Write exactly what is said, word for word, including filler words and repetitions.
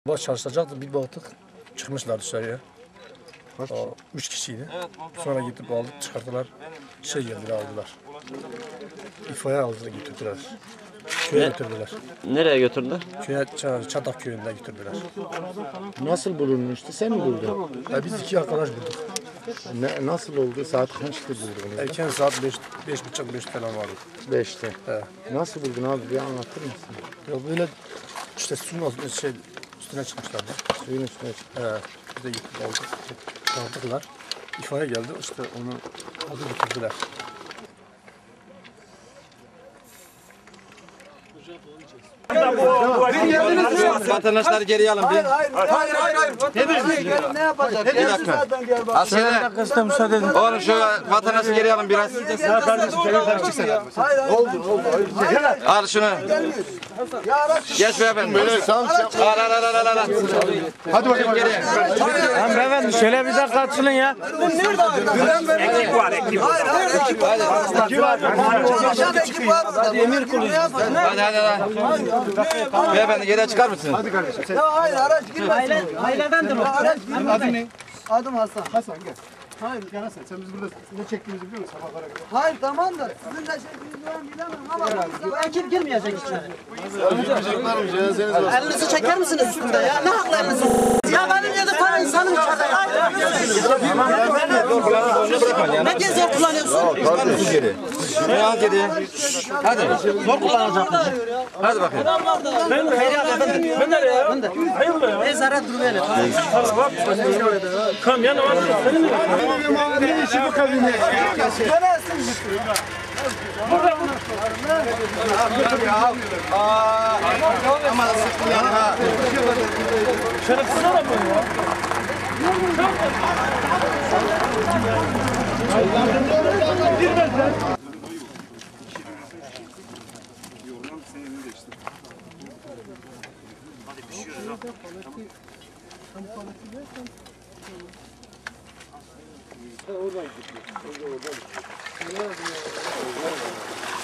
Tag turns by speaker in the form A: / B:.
A: Baş çalışacaktı, bir baktık çıkmışlar dışarıya. O, üç kişiydi. Sonra gidip aldık, çıkarttılar. Şey geldiler, aldılar. İfaya aldılar, götürdüler. Köye
B: Ne?
A: götürdüler.
B: Nereye götürdüler?
A: Köye, Çatak köyünde götürdüler.
C: Nasıl bulunmuştu? Sen mi buldun?
A: Ya biz iki arkadaş bulduk.
C: Ne, nasıl oldu? Saat kaçtı buldun?
A: Erken saat beş, beş buçuk, beş falan vardı.
C: Beşte.
A: He.
C: Nasıl buldun abi? Bir anlatır mısın?
A: Ya böyle işte suyun altına, şey, üstüne çıkmışlardı.
C: Suyun üstüne çıktı.
A: He. Biz de gittik aldık, aldıklar. İfaya geldi, işte onu aldı götürdüler.
D: Vatandaşları geriye alın bir.
E: Hayır, hayır, hayır, hayır. Ne, ne yapacak?
D: Bir dakika. Askere. Oğlum şu vatandaşı geriye alın biraz. Al şunu. Geç beyefendi. Al al al al al. Hadi bakayım geriye.
F: Lan beyefendi şöyle bir dakika açılın ya.
E: Ekip var, ekip. Hayır, hayır, ekip var. Ekip var. Aşağıda ekip var. Hadi emir kuluyuz.
D: Hadi hadi hadi. Beyefendi geriye çıkar mısınız?
E: Ya hayır, araç girmesin.
F: Ailedendir o.
E: Araç girmesin. Adım Hasan.
G: Hasan gel. Hayır gel Hasan, sen biz burada ne çektiğimizi biliyor musun sabahlara kadar?
E: Hayır, tamam da sizin de çektiğinizi ben bilemem ama
F: Bu ekip girmeyecek içeri.
G: Çocuklarım cenazeniz var.
F: Elinizi çeker misiniz üstünde ya? Ne haklı elinizi? Ya benim yedi tane insanım içeride ya. Ne geziyor kullanıyorsun?
D: Çıkar mısın geri? Şunu al geriye. Hadi.
F: Zor kullanacakmış.
D: Hadi bakayım.
F: Ben Feryat efendim. Ben nereye ya? Ben de. Hayırlı ya? Ezaret durmayalım. Kam yanı var. Senin mi?
G: Ne işi bu kabine?
D: Ama sıktım yani ha.
F: Şerefsiz adam bu ya.
G: Oradan gidiyor. Oradan gidiyor.